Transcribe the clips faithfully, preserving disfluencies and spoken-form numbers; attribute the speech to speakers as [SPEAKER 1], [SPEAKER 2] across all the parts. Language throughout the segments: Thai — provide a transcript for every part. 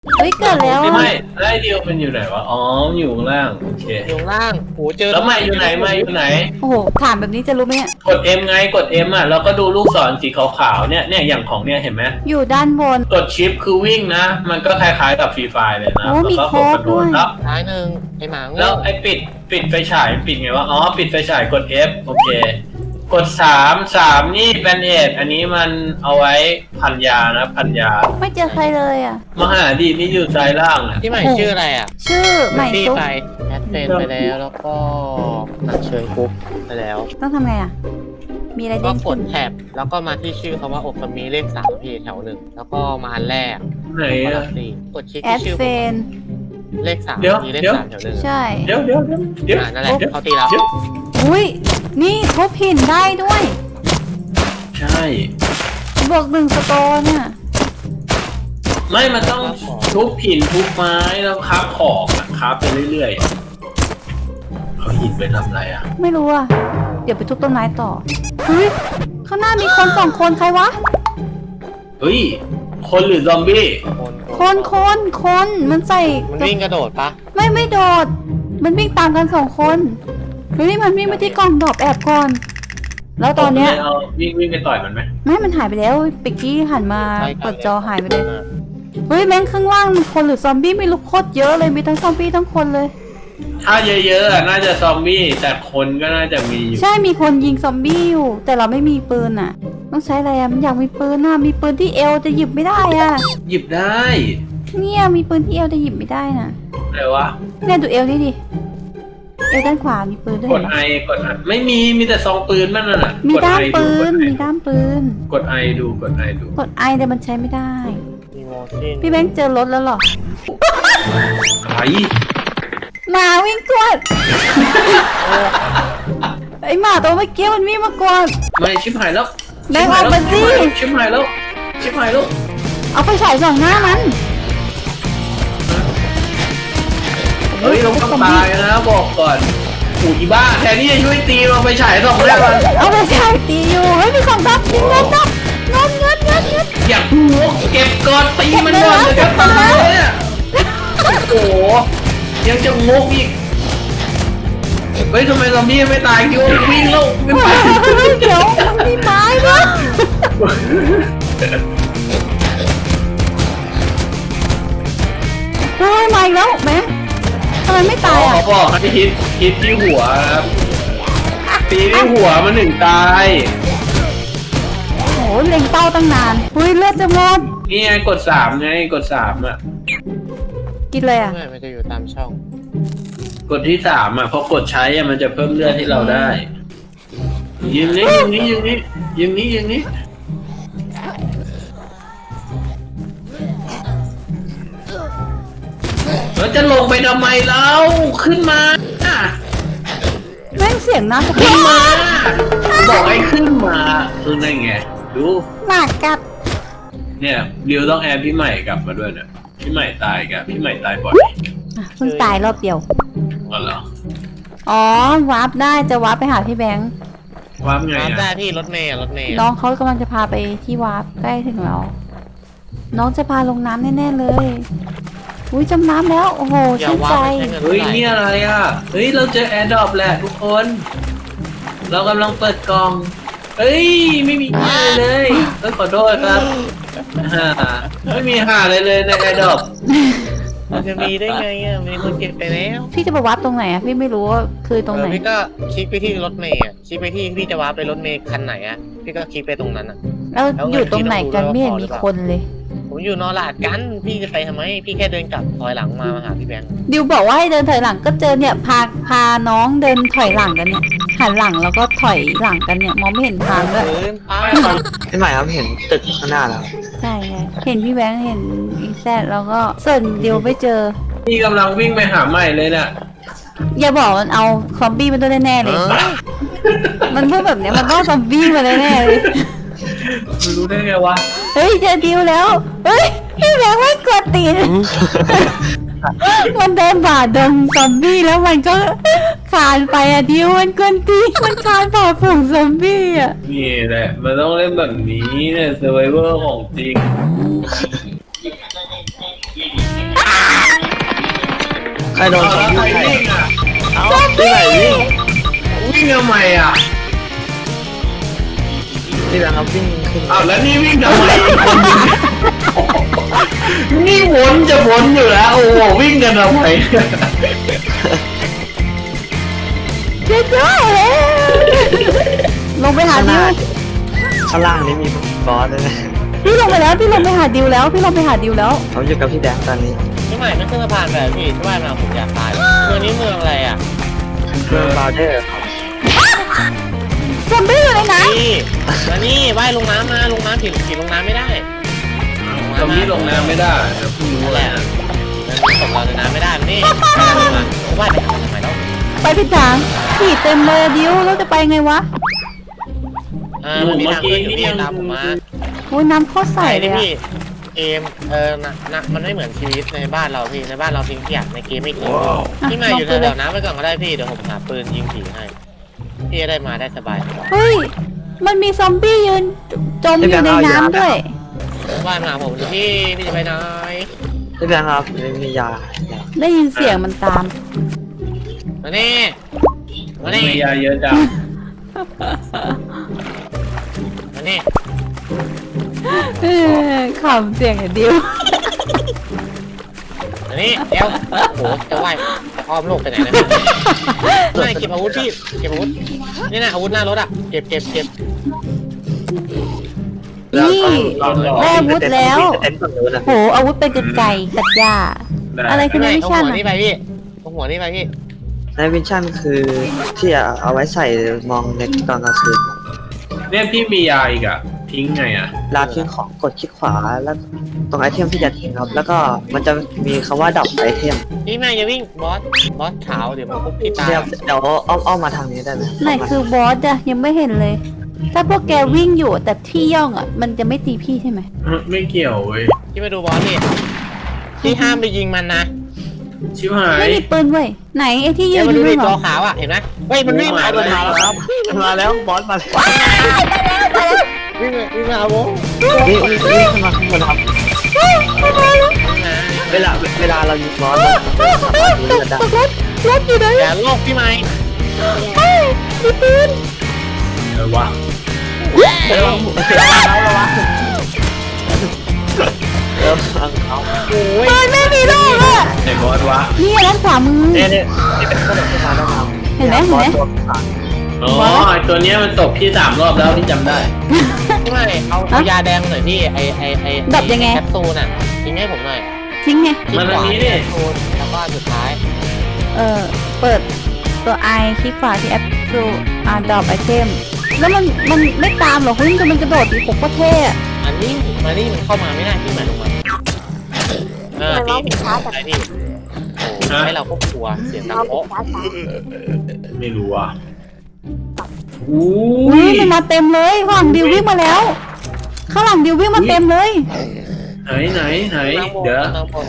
[SPEAKER 1] เฮ้ยเกิดแล้ว
[SPEAKER 2] ไม่
[SPEAKER 1] อะ
[SPEAKER 2] ไม่ไล่เดียวมันอยู่ไหนวะอ๋ออยู่ข้างล่างโอเค
[SPEAKER 3] อยู่ล่างโหเจอ
[SPEAKER 2] แล้วไม่อยู่ไหนไม่อยู่ไหน
[SPEAKER 1] โอ้โหถามแบบนี้จะรู้ไหมเนี่ย
[SPEAKER 2] กด M ไงกด M อ่ะแล้วก็ดูลูกศรสีขาวๆเนี่ยเนี่ยอย่างของเนี่ยเห็นไหม
[SPEAKER 1] อยู่ด้านบน
[SPEAKER 2] กดชิปคือวิ่งนะ มันก็คล้ายๆกับฟรีไฟเลยนะ
[SPEAKER 1] โอ้มี
[SPEAKER 2] แล้วก็
[SPEAKER 1] โค้ดด้วย
[SPEAKER 2] แล้ว
[SPEAKER 3] ท้ายหนึ่งไอหมาโง่
[SPEAKER 2] แล้วไอ้ปิดปิดไฟฉายปิดไงวะอ๋อปิดไฟฉายกด F โอเค กดสามสามนี่แบนเอดอันนี้มันเอาไว้พันยานะพันยา
[SPEAKER 1] ไม่เจอใครเลยอ่ะ
[SPEAKER 2] มหาดีนี่อยู่ซ้ายล่างอ่ะ
[SPEAKER 3] ที่ใหม่ชื่ออะไรอ่ะ
[SPEAKER 1] ชื่อใหม่
[SPEAKER 3] ตี้
[SPEAKER 1] ซุป
[SPEAKER 3] ไปแอดเฟนไปแล้วแล้วก็หนักเชิญกรุ๊ปไปแล้ว
[SPEAKER 1] ต้องทำไงอ่ะ มีอะไร
[SPEAKER 3] ก็
[SPEAKER 1] เด้ง
[SPEAKER 3] ก
[SPEAKER 1] ขึ้
[SPEAKER 3] ด
[SPEAKER 1] น
[SPEAKER 3] แท็บแล้วก็มาที่ชื่อคำว่าอกมีเลขสามพี่แถวหนึ่งแล้วก็มาอันแรก
[SPEAKER 2] ไหน
[SPEAKER 3] ก็
[SPEAKER 2] อะ
[SPEAKER 3] รับสี่กดคลิก
[SPEAKER 1] แอ
[SPEAKER 3] ที่
[SPEAKER 1] ด
[SPEAKER 3] ชื่อ
[SPEAKER 1] เฟน
[SPEAKER 3] เลขสาม
[SPEAKER 2] เดี๋ยว
[SPEAKER 3] มีเลข
[SPEAKER 2] เดี๋ยว
[SPEAKER 3] สามแถวหนึ่ง
[SPEAKER 1] ใช่
[SPEAKER 2] เดี๋ยวเดี๋ยวเดี๋ยวเดี๋ยว
[SPEAKER 3] อ่านั่นแหละ
[SPEAKER 2] เดี๋ยว
[SPEAKER 3] เขาตีแล้ว
[SPEAKER 2] เดี๋ยว
[SPEAKER 1] อุ้ยนี่ทุบหินได้ด้วย
[SPEAKER 2] ใช่
[SPEAKER 1] บวกหนึ่งสโตนเนี่ย
[SPEAKER 2] ไม่มันต้องทุบหินทุบไม้แล้วคราฟของอะคราฟไปเรื่อยๆเขาหินไปทำอะไรอ่ะ
[SPEAKER 1] ไม่รู้อ่ะ เดี๋ยวไปทุบต้นไม้ต่อเฮ้ยข้างหน้ามีคนสองคนใครวะ
[SPEAKER 2] เฮ้ยคนหรือซอมบี้
[SPEAKER 3] คน
[SPEAKER 1] คนคนคนมันใส่
[SPEAKER 3] มันวิ่งกระโดดปะ
[SPEAKER 1] ไม่ไม่โดด มันวิ่งตามกันสองคนเฮ้ยมันวิ่งไปที่กล่องดอกแอบก่อน แล้วตอนเนี้ย
[SPEAKER 2] เอาวิ่งวิ่งไปต่อยมันไหม
[SPEAKER 1] ไม่มันหายไปแล้วปิกกี้หันมา
[SPEAKER 3] ใช่ครับ
[SPEAKER 1] เปิดจอหายไปเลย เฮ้ยแม่งข้างล่างมันคนหรือซอมบี้ไม่รู้โคตรเยอะเลยมีทั้งซอมบี้ทั้งคนเลย
[SPEAKER 2] ถ้าเยอะๆอะน่าจะซอมบี้แต่คนก็น่าจะมีอยู่
[SPEAKER 1] ใช่มีคนยิงซอมบี้อยู่ แต่เราไม่มีปืนอ่ะ ต้องใช้อะไรอ่ะมันอยากมีปืนน่ะมีปืนที่เอวจะหยิบไม่ได้อ่ะ
[SPEAKER 2] หยิบได้
[SPEAKER 1] เนี่ยมีปืนที่เอวจะหยิบไม่ได้น่ะ
[SPEAKER 2] อะไรวะ
[SPEAKER 1] เนี่ยดูเอวนี่ดิเอวด้านขวามีปืนด้วย
[SPEAKER 2] กดไอกดไอไม่มีมีแต่ซองปืนมันน่ะ
[SPEAKER 1] มี
[SPEAKER 2] ก
[SPEAKER 1] ด้าม
[SPEAKER 2] ไอ
[SPEAKER 1] ปื
[SPEAKER 2] ก
[SPEAKER 1] น
[SPEAKER 2] ดไอ
[SPEAKER 1] มีด้ามปืน
[SPEAKER 2] กดไอดูกดไอดู
[SPEAKER 1] กดไอแต่มันใช้ไม่ได้
[SPEAKER 3] มีโมชิน
[SPEAKER 1] พี่แบงค์เจอรถแล้วเหรอ
[SPEAKER 2] ไอ
[SPEAKER 1] หมาวิ่งกวด ไอหมาตัวเมื่อกี้มันวิ่งมากวด
[SPEAKER 2] ไม่ชิบหายแล้ว
[SPEAKER 1] แบงค์ออกมาสิ
[SPEAKER 2] ชิบหายแล้วชิบหายแล้ว
[SPEAKER 1] เอาไฟฉายส่องหน้ามัน
[SPEAKER 2] เฮ้ยเราต้องตายนะบอกก่อนอูอีบ้าแทนที่จะช่วยตีเราไปฉายสองแรกมัน
[SPEAKER 1] เอาไฟฉายตีอยู่เฮ้ยมีของดับมีเงินดับเงินเงินเงินเงิน
[SPEAKER 2] อยากพูดเก็บก่อนตีมันก่อนเลยจะตายเนี่ยโอ้โหยังจะงกอีกเฮ้ยทำไมซอมบี้ไม่ตายคิดว่าวิ่งแล้วไม่ไป
[SPEAKER 1] เดี๋ยวมันมีไม้ด้วยเฮ้ยมาอีกแล้วแม่ทำไมไม่ตาย
[SPEAKER 2] ข
[SPEAKER 1] อ่ะ
[SPEAKER 2] อบอกให้ฮิตฮิตที่หัวครับตีที่หัวมันถึงตาย
[SPEAKER 1] โอ้โหเล็งเป้าตั้งนานเฮ้ยเลือดจะหมด
[SPEAKER 2] นี่ไงกดสามไงกดสามอ่ะ
[SPEAKER 1] กินเลยอ่ะ
[SPEAKER 3] ไม่มันจะอยู่ตามช่อง
[SPEAKER 2] กดที่สามอ่ะพอกดใช้อ่ะมันจะเพิ่มเลือดให้เราได้ยิงนี้ยิงนี้ยิงนี้ยิงนี้ยิงนี้แล้วจะลงไปทำไมเราขึ้นมา
[SPEAKER 1] แม่งเสียงน้ำ
[SPEAKER 2] ขึ้นมาบอกให้ขึ้นมาคือไงไงดู
[SPEAKER 1] หมากัด
[SPEAKER 2] เนี่ยริวต้องแอบพี่ใหม่กลับมาด้วยเนี่ยพี่ใหม่ตายกับพี่ใหม่ตายบ่อย
[SPEAKER 1] อ่ะเพิ่งตายรอบเดียว
[SPEAKER 2] อ๋อเหรอ
[SPEAKER 1] อ๋อวาร์ปได้จะวาร์ปไปหาพี่แบงค์
[SPEAKER 2] ว่าไง
[SPEAKER 3] รับได้
[SPEAKER 2] อ่ะ
[SPEAKER 3] พี่รถเมย์อะรถเมย์
[SPEAKER 1] น้องเขากำลังจะพาไปที่วาร์ปใกล้ถึงเรา น้องจะพาลงน้ำแน่ๆเลย อุ้ยจมน้ำแล้ว โอ้โห
[SPEAKER 3] อย่า
[SPEAKER 1] ชื่น
[SPEAKER 3] ว่า
[SPEAKER 1] ใจ
[SPEAKER 3] ไม่ใช่เงิน
[SPEAKER 2] เฮ้ย
[SPEAKER 3] เท่าไหร่
[SPEAKER 2] นี่อะไรอ่ะเฮ้ยเราเจอแอร์ดรอปแหละทุกคน เรากำลังเปิดกล่องเฮ้ยไม่มีหาเลยเอ้ยขอโทษครับฮ่าไม่มีหาเลยเลยในแอร์ดรอป
[SPEAKER 3] มันจะมีได้ไงอ่ะมีคนเก็บไปแล้ว
[SPEAKER 1] พี่จะไปวาร์ปตรงไหนอะพี่ไม่รู้ว่าคือตรงไหน
[SPEAKER 3] เออพี่ก็คลิกไปที่รถเมย์อ่ะคลิกไปที่พี่จะว้าร์ปไปรถเมย์คันไหนอ่ะพี่ก็คลิกไปตรงนั้นอ่ะ
[SPEAKER 1] แล้ว
[SPEAKER 3] แล้ว
[SPEAKER 1] อยู่ตรงไหนกัน
[SPEAKER 3] พี่
[SPEAKER 1] ไม่
[SPEAKER 3] ต้อง
[SPEAKER 1] เห็น
[SPEAKER 3] ดู
[SPEAKER 1] มี
[SPEAKER 3] ด้วยว่า
[SPEAKER 1] คนเลย
[SPEAKER 3] ผมอยู่นอราดกันพี่จะไปทำไมพี่แค่เดินกลับถอยหลังมามาหาพี่แบงค์
[SPEAKER 1] ดิวบอกว่าให้เดินถอยหลังก็เจอเนี่ยพาพาน้องเดินถอยหลังกันเนี่ยหันหลังแล้วก็ถอยหลังกันเนี่ยมองไม่เห็นทางด้วย
[SPEAKER 3] เดินไป
[SPEAKER 4] พี่ใหม่ครับเห็นตึกข้างหน้าแล้ว
[SPEAKER 1] ใช่ไงเห็นพี่แบงค์เห็นอีแซดแล้วก็ส่วนดิวไม่เจอ
[SPEAKER 2] พี่กำลังวิ่งไปหาใหม่เลยน่ะ
[SPEAKER 1] อย่าบอกมันเอาซอมบี้มาด้วยแน่ๆเลย มันพูดแบบเนี้ยมันต้องซอมบี้มาแน่ๆเลย
[SPEAKER 2] ไม่รู้ได้ไงวะ
[SPEAKER 1] เฮ้ยเจอดิวแล้ว เฮ้ยพี่แบงค์ไม่กดตีน มันเดินผ่านดงซอมบี้แล้วมันก็คานไปอะดิวมันกวนตีนมันคานผ่านฝูงซอมบี้อะ
[SPEAKER 2] นี่แหละมันต้องเล่นแบบนี้เนี่ยเซอร์ไวเวอร์ของจริง
[SPEAKER 4] รโดน
[SPEAKER 2] เอา
[SPEAKER 4] ซอม
[SPEAKER 2] แล้ว
[SPEAKER 4] บี้
[SPEAKER 2] ใคร
[SPEAKER 4] ใส่
[SPEAKER 2] วิ่งอ่ะ
[SPEAKER 4] เอ้าที่ไหนวิ่ง
[SPEAKER 2] วิ่งทำไมอ่ะ
[SPEAKER 4] ที่แบงค์ครับวิ่งขึ้น
[SPEAKER 2] อ้าวแล้วนี่วิ่งทำไมอีกคนนึงนี่วนจะวนอยู่แล้วโอ้โหวิ่งกันทำไม
[SPEAKER 1] เจ๊เจ้าลงไปหา
[SPEAKER 4] ข้างห
[SPEAKER 1] ดิ
[SPEAKER 4] น้าว ข้างล่างนี้มีบอสด้วยนะ
[SPEAKER 1] พี่ลงไปแล้วพี่ลงไปหาดิวแล้วพี่ลงไปหาดิวแล้ว
[SPEAKER 4] เขาอยู่กับพี่แดงตอนนี้
[SPEAKER 3] พี่ใหม่ไม่ขึ้นสะพานแบบพี่ที่บ้านมาผมอยากตายเมืองนี้เมืองอะไรอ่ะ
[SPEAKER 4] เมืองบาร์เดอร์ครับ
[SPEAKER 1] ซอมบี้อยู่ในน้
[SPEAKER 3] พี่มานี่ว่ายลงน้ำมาลงน้ำผิดผิดลงน้ำไม่ได้
[SPEAKER 2] ตรงนี้ลงน้ำไม่ได้เดี๋ยวเพิ่งรู้
[SPEAKER 3] นั่น
[SPEAKER 2] แห
[SPEAKER 3] แห
[SPEAKER 2] ละ
[SPEAKER 3] ละมันตกเราในน้ำไม่ได้มันนี่ไม่ได้ลงมาว่ายไปทำไมแล้ว
[SPEAKER 1] ำไปผิดทางขี่เต็มเลยอะดิวแล้วจะไปไงวะ
[SPEAKER 3] อ่ามันมีทางขึ้นอยู่พี่ตามผมมา
[SPEAKER 1] โอ้ยน้ำโคตรใส
[SPEAKER 3] ใส่
[SPEAKER 1] เล
[SPEAKER 3] ดิ
[SPEAKER 1] ยอะ
[SPEAKER 3] พี่เกมเออนะนะมันไม่เหมือนชีวิตในบ้านเราพี่ในบ้านเราทิ้งขยะในเกมไม่ทิ้งพี่ใหม่อยู่แถวๆน้ำไปก่อนก็ได้พี่เดี๋ยวผมหาปืนยิงผีให้พี่จะได้มาได้สบาย
[SPEAKER 1] เฮ้ยมันมีซอมบี้ยืนจมอยู่ในน้ำด้วย
[SPEAKER 3] ว่ายมาหาผมสิพี่พี่จะไปไหน
[SPEAKER 4] พี่แบงค์ครับมียา
[SPEAKER 1] ได้ยินเสียงมันตาม
[SPEAKER 3] มานี่มานี่
[SPEAKER 2] มียาเยอะจัง
[SPEAKER 3] มานี่
[SPEAKER 1] เออขำเสียงไอ้ดิว
[SPEAKER 3] มานี่เดี๋ยวโอ้โหจะว่ายจะอ้อมโลกไปไหนนะไม่เก็บอาวุธพี่เก็บอาวุธนี่นะอาวุธหน้ารถอ่ะเก็บเก็บเก็บ
[SPEAKER 1] นี่ได้อาวุธแล้ว
[SPEAKER 4] เต็นท์ฝั่งนู้นนะ
[SPEAKER 1] โหอาวุธเป็นกรรไกรตัดหญ้า อะไรคือ
[SPEAKER 3] ไม่
[SPEAKER 1] ใน
[SPEAKER 3] ไม่
[SPEAKER 1] วิ
[SPEAKER 3] เอา
[SPEAKER 1] ชั่น
[SPEAKER 3] หัว
[SPEAKER 1] อะ
[SPEAKER 3] นี่ไปพี่เอาหัวนี่ไปพี่
[SPEAKER 4] ในวิชั่นคือที่เอาไว้ใส่มองเน็ตตอนกลางคืน
[SPEAKER 2] เนี่ยพี่มียาอีกอ่ะทิ้งไงอ่ะ
[SPEAKER 4] ลาทิ้งของกดคลิกขวาแล้วตรงไอเทมที่จะทิ้งครับ แล้วก็มันจะมีคำว่าดับไอเทม
[SPEAKER 3] พี่แม่อย่าวิ่งบอสบอสขาวเดี๋ยวมันคุกพี่ตา
[SPEAKER 4] เดี๋ยวเดี๋ยวอ้อมอ้อมมาทางนี้ได้ไหม
[SPEAKER 1] ไหนคือบอสอะยังไม่เห็นเลย ถ้าพวกแกวิ่งอยู่แต่ที่ย่องอะมันจะไม่ตีพี่ใช่ไหม
[SPEAKER 2] ไม่เกี่ยวเว้ย
[SPEAKER 3] พี่มาดูบอสนี่พี่ห้ามไปยิงมันนะ
[SPEAKER 2] ชิบหาย
[SPEAKER 1] ไม่มีปืนเว้ยไหนไอ้ที่ยื
[SPEAKER 3] เดี๋ยวน มา
[SPEAKER 1] อ
[SPEAKER 3] ดู
[SPEAKER 1] ยู่
[SPEAKER 3] ดิ
[SPEAKER 1] นู่นเหร
[SPEAKER 3] ตัว
[SPEAKER 1] อ
[SPEAKER 3] ขาวอ่ะเห็นไหมเฮ้ยมันวิ่งมา
[SPEAKER 2] เอา
[SPEAKER 3] มัน
[SPEAKER 2] มา
[SPEAKER 3] มา
[SPEAKER 2] แล้
[SPEAKER 3] แล้ว ว
[SPEAKER 2] ค
[SPEAKER 3] ค
[SPEAKER 2] รั
[SPEAKER 3] รับ บ
[SPEAKER 4] มาแล้วบอสมาแล้ว
[SPEAKER 3] วิ่งมาวิ่งมาเอาโว้
[SPEAKER 4] นี่นี่นี่ขึ้นมาข้างบนครับ เวลาเวลาเรายิงบอสเราสามารถยิง
[SPEAKER 1] ตก
[SPEAKER 4] กันได้
[SPEAKER 1] ตกรถรถอยู่ไหน
[SPEAKER 3] อย่าโลกพี่ไม้
[SPEAKER 1] เฮ้ยมีปืน
[SPEAKER 2] เออวะ
[SPEAKER 4] เดี๋ยวเราเราวะเดี๋ยวฟังเขา
[SPEAKER 3] โอ้ย
[SPEAKER 1] ปืนไม่มีลูกอะ
[SPEAKER 2] ไอ้บอสวะ
[SPEAKER 1] นี่ด้านขวามือ
[SPEAKER 4] เนี่ยเนี่ยนี่เป็นขนมที่มาแล้วครับ
[SPEAKER 1] เห็นไหมเห็นไหม
[SPEAKER 4] บอสตัวขาว
[SPEAKER 2] อ๋อไอ้ตัวเนี้ยมันตกพี่สามรอบแล้วพี่จำได้
[SPEAKER 3] พี่ไม้เอาเอายาแดงหน่อยพี่ไอไอไอ
[SPEAKER 1] ดับยังไง
[SPEAKER 3] แคปซูลอ่ะทิ้งให้ผมหน่อย
[SPEAKER 1] ทิ้งไง
[SPEAKER 2] มันอันนี้ดิ
[SPEAKER 3] แคปซูลแล้วก็อันสุดท้าย
[SPEAKER 1] เออเปิดตัวไอคลิกขวาที่แอปดูอ่าดรอปไอเทมแล้วมันมันไม่ตามหรอกเฮ้ยมันกระโดดตีผมก็เท่อะ
[SPEAKER 3] อันนี้มานี่มันเข้ามาไม่ได้พี่หมายลงมาเออพี่พี่ไอพี่โอ้ให้เราก็กลัวเสียงดังโป๊ะ
[SPEAKER 2] ไม่รู้อ่ะ
[SPEAKER 1] อุ้
[SPEAKER 2] อุ้
[SPEAKER 1] ย
[SPEAKER 2] ย
[SPEAKER 1] มันมาเต็มเลยข้างหลังดิววิ่งมาแล้ว ข้างหลังดิววิ่งมาเต็มเลย
[SPEAKER 2] ไหนไหนไหน
[SPEAKER 3] นั่งบน
[SPEAKER 2] เดี๋ยว
[SPEAKER 3] นั่งบน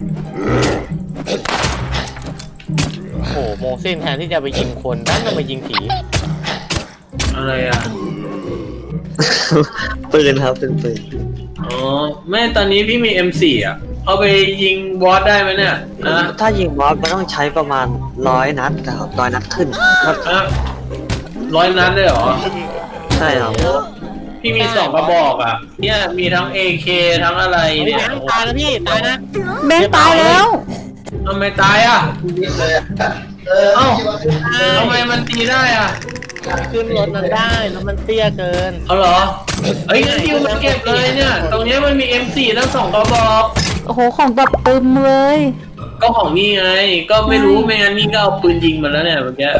[SPEAKER 3] โอ้โหโมเสนแทนที่จะไปยิงคนด้านจะมายิงผี
[SPEAKER 2] อะไรอ่ะ
[SPEAKER 4] ปืนครับเป็นปืน
[SPEAKER 2] อ๋อแม่ตอนนี้พี่มี เอ็ม โฟร์ อ่ะเอาไปยิงบอสได้ไหมเนี่ยนะ
[SPEAKER 4] ถ้ายิงบอสมันต้องใช้ประมาณร้อยนัดครับร้อยนัดขึ้นครับ
[SPEAKER 2] อะร้อยนัดเลยเหรอ
[SPEAKER 4] ใช่ครับ
[SPEAKER 2] พี่มีสองกระบอกอ่ะ เนี่ยมีทั้ง เอ เค ทั้งอะไร
[SPEAKER 3] พี่
[SPEAKER 2] เนี่ย
[SPEAKER 3] แบงค์ตายแล้วพี่ตายนะ
[SPEAKER 1] แบงค์ตายแล้ว
[SPEAKER 2] ทำไมตายอ่ะเอ้าทำไมมันตีได้อ่ะ
[SPEAKER 3] ขึ้นรถมันได้แล้วมันเตี้ยเกิน
[SPEAKER 2] เอาเหรอเอ้ยงั้นดิวมาเก็บเลยเนี่ย ตรงเนี้ยมันมี เอ็ม โฟร์ ทั้งสองกระบอก
[SPEAKER 1] โอ้โหของแบบตึมเลย
[SPEAKER 2] ก็ของนี่ไง ก็ไม่รู้ไม่งั้นนี่ก็เอาปืนยิงมันแล้วเนี่ยเมื่อกี้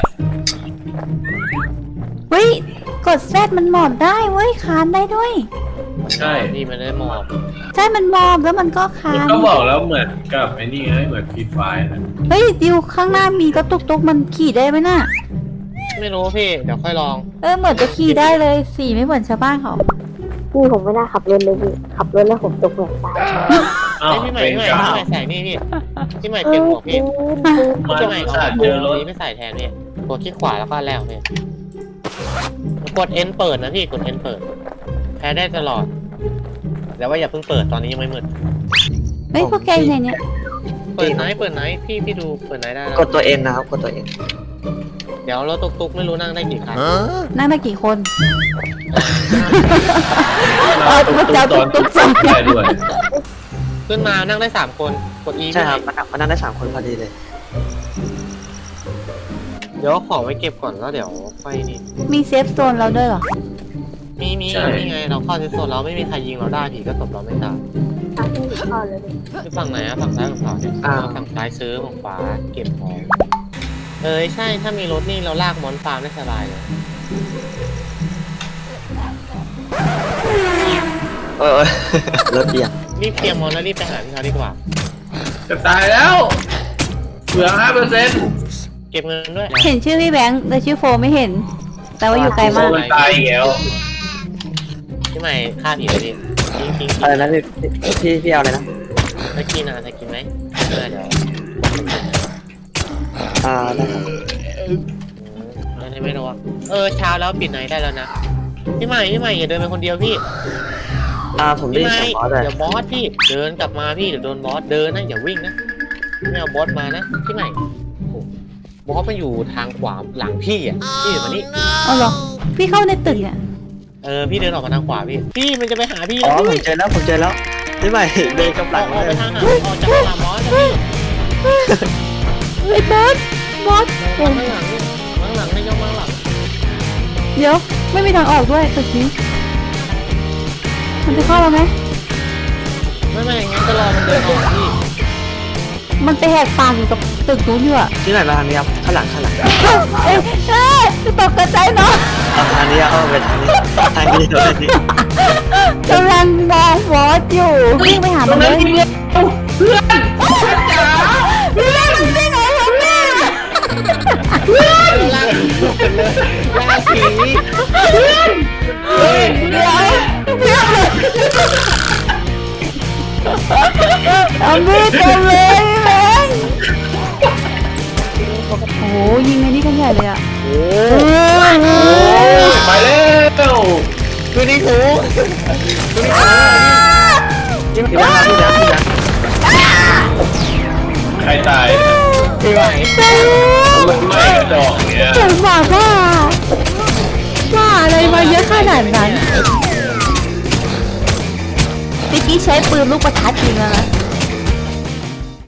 [SPEAKER 1] เฮ้ยกดแซดมันหมอบได้เว้ยคานได้ด้วย
[SPEAKER 2] ใช่
[SPEAKER 3] พี่มันได้หมอบ
[SPEAKER 1] ใช่มันหมอบแล้วมันก็คา
[SPEAKER 2] มัน
[SPEAKER 1] น
[SPEAKER 2] ก็บอกแล้วเหมือนกับไอ้นี่ไงเหมือนฟรีไฟนะ
[SPEAKER 1] เฮ้ยดิวข้างหน้ามีรถตุกๆมันขี่ได้ไหมน่ะ
[SPEAKER 3] ไม่รู้พี่เดี๋ยวค่อยลอง
[SPEAKER 1] เออเหมือนจะขี่ได้เลยสีไม่เหมือนชาวบ้านเขา
[SPEAKER 5] พี่ผมไม่น่าขับรถเลยพี่ขับรถแล้วผมตกเหมือนตาย
[SPEAKER 2] อ้าว
[SPEAKER 3] ไอ้พี่ใหม่
[SPEAKER 2] เป็น
[SPEAKER 3] พี่ใหม่
[SPEAKER 2] กา
[SPEAKER 3] พี่
[SPEAKER 2] ว
[SPEAKER 3] ใหม่ใส่นี่พี่พี่ใหม่เปลี่ยนหมวกพี่
[SPEAKER 2] มา
[SPEAKER 3] พี่ใหม่
[SPEAKER 2] อุต
[SPEAKER 3] เอา
[SPEAKER 2] ส่าห์
[SPEAKER 3] หม
[SPEAKER 2] เจ
[SPEAKER 3] ว
[SPEAKER 2] อก รถ
[SPEAKER 3] นี้ไม่ใส่แทนพี่กดคลิกขวาแล้วก็แล้วพี่กด N เปิดนะพี่กด N เปิดแพ้ได้ตลอดแต่ว่าอย่าเพิ่งเปิดตอนนี้ยังไม่มืด
[SPEAKER 1] เฮ้ยพวกแกอยู่ไหนเนี่ย
[SPEAKER 3] เปิดไหนเปิดไหนพี่พี่ดูเปิดไหนได้แล้ว
[SPEAKER 4] กดตัวเอ็นนะครับกดตัวเอ็น
[SPEAKER 3] เดี๋ยวรถตุกๆไม่รู้นั่งได้กี่คัน
[SPEAKER 1] นั่งได้กี่คน
[SPEAKER 2] เราตุ๊กตอนตุ๊กตอนได้ด้วย
[SPEAKER 3] ขึ้นมานั่งได้สามคนกด E
[SPEAKER 4] ใช่ครับมันมันนั่งได้สามคนพอดีเลย
[SPEAKER 3] เดี๋ยวขอไว้เก็บก่อนแล้วเดี๋ยวค่อยนี่
[SPEAKER 1] มีเซฟโซนเราด้วยเหรอ
[SPEAKER 3] มีมีนี่ไงเราเข้าเซฟโซนเราไม่มีใครยิงเราได้ผีก็ตบเราไม่ตาย
[SPEAKER 5] ทางที่หนูเข้าเลยพี่
[SPEAKER 3] คือฝั่งไหนอะฝั่งซ้ายฝั่งขวาเนี่ยฝั่งซ้ายซื้อฝั่งขวาเก็บของเอ้ยใช่ถ้ามีรถนี่เราลากมอนฟาร์มได้สบายเลย
[SPEAKER 4] เออ รถเอียง
[SPEAKER 3] รีบเคลียร์มอนแล้วรีบไปหาพี่เขาดีกว่า
[SPEAKER 2] จะตายแล้วเหลือห้าเปอร์เซ็นต์
[SPEAKER 3] เก็บเงินด้วย
[SPEAKER 1] เห็นชื่อพี่แบงค์แต่ชื่อโฟไม่เห็น แต่ว่าอยู่ไกลมาก
[SPEAKER 2] มันตายอีกแล้ว
[SPEAKER 3] พี่ใหม่ฆ่าผีเลยดิทิ้งทิ้ง
[SPEAKER 4] อะไรนะพี่พี่พี่เอาเลยนะ
[SPEAKER 3] จะกินอ่ะจะกินไหมเออเดี๋ยว
[SPEAKER 4] อ่าได้ครับ
[SPEAKER 3] อันนี้ไม่รู้อ่ะเออเช้าแล้วปิดไหนได้แล้วนะพี่ใหม่พี่ใหม่อย่าเดินไปคนเดียวพี่
[SPEAKER 4] อ่าผมได้
[SPEAKER 3] พี่
[SPEAKER 4] ยิน
[SPEAKER 3] ใหม่
[SPEAKER 4] เสียงบอสเลย
[SPEAKER 3] เดี๋ยวบอสพี่เดินกลับมาพี่เดี๋ยวโดนบอสเดินนะอย่าวิ่งนะไม่เอาบอสมานะพี่ใหม่โอ้บอสมันอยู่ทางขวาหลังพี่อ่ะพี่อยู่มานี่
[SPEAKER 1] เอาเหรอ พี่เข้าในตึกเนี่ย
[SPEAKER 3] เออพี่เดินออกมาทางขวาพี่พี่มันจะไปหาพี่
[SPEAKER 4] อ๋อ
[SPEAKER 3] แล้ว
[SPEAKER 4] ผม
[SPEAKER 3] พี่
[SPEAKER 4] เจอแล้วผมเจอแล้วพี่ใหม่เดินกำลัง
[SPEAKER 3] ออก
[SPEAKER 4] เล
[SPEAKER 3] ไป
[SPEAKER 4] ย
[SPEAKER 3] ทางหาออกจากหลังบอสนะพี่
[SPEAKER 1] ไอ้บอสบอส
[SPEAKER 3] ข้างหลังข้างหลังไม่ยอมมาหลัง
[SPEAKER 1] เดี๋ยว ไม่มีทางออกด้วยตึกนี้ มันจะเข้าเราไหม
[SPEAKER 3] ไม่ไม่งั้นก็รอมันเดินออกพี่
[SPEAKER 1] มันไปแหกปากอยู่กับตึกนู้นอยู่อะ
[SPEAKER 4] ที่ไหนมาทางนี้ครับข้างหลังข้างหลัง
[SPEAKER 1] เอ้ยเอ้ยตกกระใจเนาะ
[SPEAKER 4] เอาทางนี้เอาไปทางนี้ทางนี้ทางนี้
[SPEAKER 1] กำลังมองบอสอยู่วิ่งไปหา
[SPEAKER 2] ตร
[SPEAKER 1] มั
[SPEAKER 2] ง
[SPEAKER 1] นเล
[SPEAKER 2] นั้น
[SPEAKER 1] ย
[SPEAKER 2] มีเงินเพื่อนจ๋า
[SPEAKER 1] พี่เล่นได้ไงครับแม่
[SPEAKER 3] ลากลากผี
[SPEAKER 2] เฮ้ย
[SPEAKER 1] เดี๋ยวเดี๋ยวเอามีดเต็มเลยพี่แบงค์โอ้โหยิงไอ้นี่กันใหญ่เลยอะ
[SPEAKER 3] โอ้
[SPEAKER 1] เออ
[SPEAKER 2] ไปแล้ว
[SPEAKER 3] คือนี่ถู
[SPEAKER 4] พี่แบงค์พี่แบงค์พี่แบงค์
[SPEAKER 2] ใครตาย
[SPEAKER 3] พี่ไหว
[SPEAKER 2] มันไม่กระดอกเนี่ย
[SPEAKER 1] เจ๋งมากว่าว่าอะไรมาเยอะขนาดนั้นเมื่อกี้ใช้ปืนลูกประทัดยิงแล้วนะ